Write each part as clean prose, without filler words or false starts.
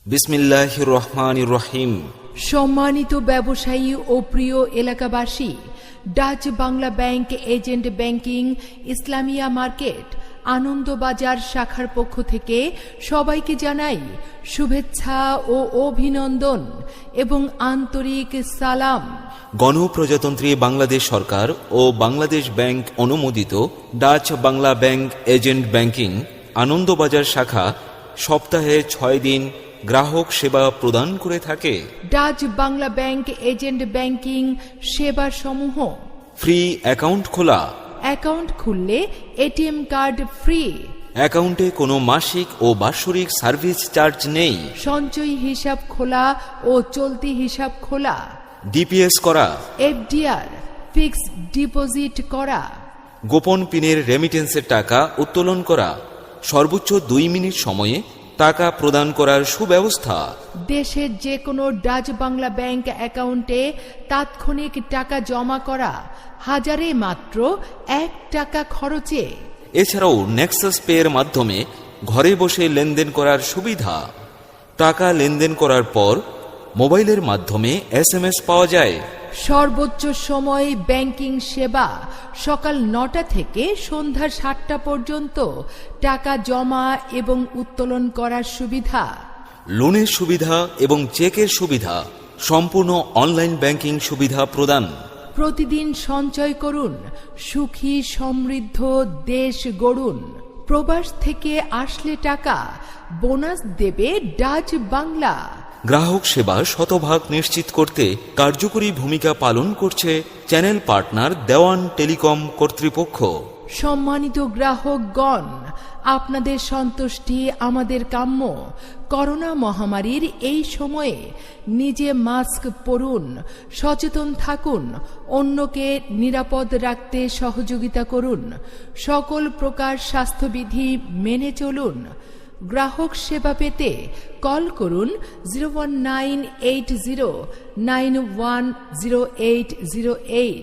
বিসমিল্লাহির রহমানির রহিম। সম্মানিত ব্যবসায়ী ও প্রিয় এলাকাবাসী, Dutch Bangla bank agent banking Islamia market Anandabazar শাখার পক্ষ থেকে সবাইকে জানাই শুভেচ্ছা ও অভিনন্দন এবং আন্তরিক সালাম। গণপ্রজাতন্ত্রী বাংলাদেশ সরকার ও বাংলাদেশ ব্যাংক অনুমোদিত Dutch Bangla bank agent banking Anandabazar শাখা সপ্তাহে 6 দিন গ্রাহক সেবা প্রদান করে থাকে। Dutch Bangla bank agent banking সেবা সমূহ: ফ্রি অ্যাকাউন্ট খোলা, অ্যাকাউন্ট খুললে এটিএম কার্ড ফ্রি, অ্যাকাউন্টে কোনো মাসিক ও বাৎসরিক সার্ভিস চার্জ নেই, সঞ্চয়ী হিসাব খোলা ও চলতি হিসাব খোলা, ডিপিএস করা, এফডিআর ফিক্সড ডিপোজিট করা, গোপন পিনের রেমিটেন্সের টাকা উত্তোলন করা, সর্বোচ্চ 2 মিনিট সময়ে টাকা প্রদান করার সুব্যবস্থা। দেশের যে কোনো ডাচ বাংলা ব্যাংক অ্যাকাউন্টে তাৎক্ষণিক টাকা জমা করা, হাজারে মাত্র 1 টাকা খরচে। এছাড়াও নেক্সাস পে এর মাধ্যমে ঘরে বসে লেনদেন করার সুবিধা। টাকা লেনদেন করার পর মোবাইলের মাধ্যমে SMS পাওয়া যায়। সর্বোচ্চ সময় ব্যাংকিং সেবা সকাল 9টা থেকে সন্ধ্যা 7টা পর্যন্ত টাকা জমা এবং উত্তোলন করার সুবিধা। লোনের সুবিধা এবং চেকের সুবিধা, সম্পূর্ণ অনলাইন ব্যাংকিং সুবিধা প্রদান। প্রতিদিন সঞ্চয় করুন, সুখী সমৃদ্ধ দেশ গড়ুন। প্রবাস থেকে আসলে টাকা বোনাস দেবে ডাচ বাংলা। গ্রাহক সেবা শতভাগ নিশ্চিত করতে কার্যকরী ভূমিকা পালন করছে চ্যানেল পার্টনার দেওয়ান টেলিকম কর্তৃপক্ষ। সম্মানিত গ্রাহকগণ, আপনাদের সন্তুষ্টি আমাদের কাম্য। করোনা মহামারীর এই সময়ে নিজে মাস্ক পরুন, সচেতন থাকুন, অন্যকে নিরাপদ রাখতে সহযোগিতা করুন, সকল প্রকার স্বাস্থ্যবিধি মেনে চলুন। গ্রাহক সেবা পেতে কল করুন 01980910808।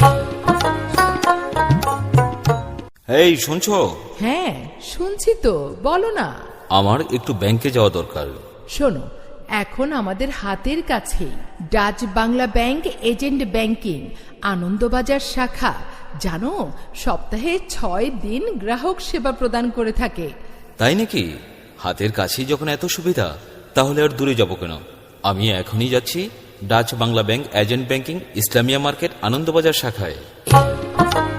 এই শুনছো? হ্যাঁ শুনছি তো, বলো না। আমার একটু ব্যাংকে যাওয়া দরকার। শোনো, এখন আমাদের হাতের কাছেই Dutch Bangla bank agent banking Anandabazar শাখা, জানো, সপ্তাহে 6 দিন গ্রাহক সেবা প্রদান করে থাকে। তাই নাকি? হাতের কাছেই যখন এত সুবিধা, তাহলে আর দূরে যাব কেন? আমি এখনই যাচ্ছি Dutch Bangla bank agent banking Islamia market Anandabazar শাখায়।